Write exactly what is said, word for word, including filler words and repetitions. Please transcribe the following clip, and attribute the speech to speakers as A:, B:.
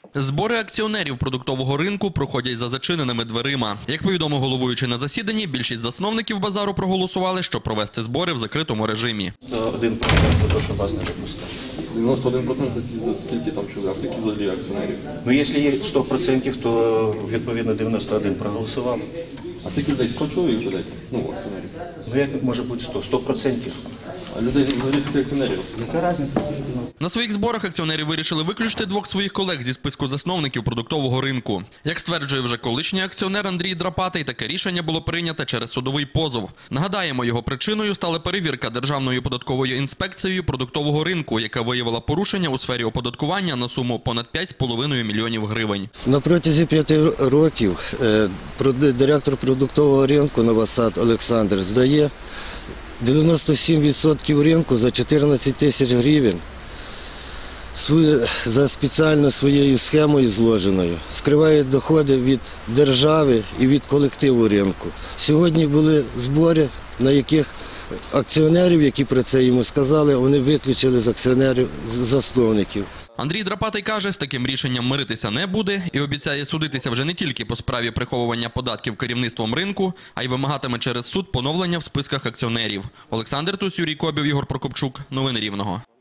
A: Збори акціонерів продуктового ринку проходять за зачиненими дверима. Як повідомив головуючий на засіданні, більшість засновників базару проголосували, щоб провести збори в закритому режимі.
B: Один процент за те, що вас не випускали.
C: дев'яносто один процент це скільки там чоловік, а скільки взагалі акціонерів?
B: Ну, якщо є сто відсотків, то відповідно дев'яносто один проголосував.
C: А скільки людей? сто чоловік людей? Ну, акціонерів.
B: Ну, як може бути сто? сто відсотків.
C: А людей взагалі скільки акціонерів?
B: Яка різниця?
A: На своїх зборах акціонери вирішили виключити двох своїх колег зі списку засновників продуктового ринку. Як стверджує вже колишній акціонер Андрій Драпатий, таке рішення було прийнято через судовий позов. Нагадаємо, його причиною стала перевірка Державною податковою інспекцією продуктового ринку, яка виявила порушення у сфері оподаткування на суму понад п'ять з половиною мільйонів гривень.
D: На протязі п'яти років директор продуктового ринку Новосад Олександр здає дев'яносто сім відсотків ринку за чотирнадцять тисяч гривень за спеціально своєю схемою зложеною. Скриває доходи від держави і від колективу ринку. Сьогодні були збори, на яких акціонерів, які про це йому сказали, вони виключили з акціонерів засновників.
A: Андрій Драпатий каже, з таким рішенням миритися не буде і обіцяє судитися вже не тільки по справі приховування податків керівництвом ринку, а й вимагатиме через суд поновлення в списках акціонерів. Олександр Тусь, Юрій Кобів, Ігор Прокопчук. Новини Рівного.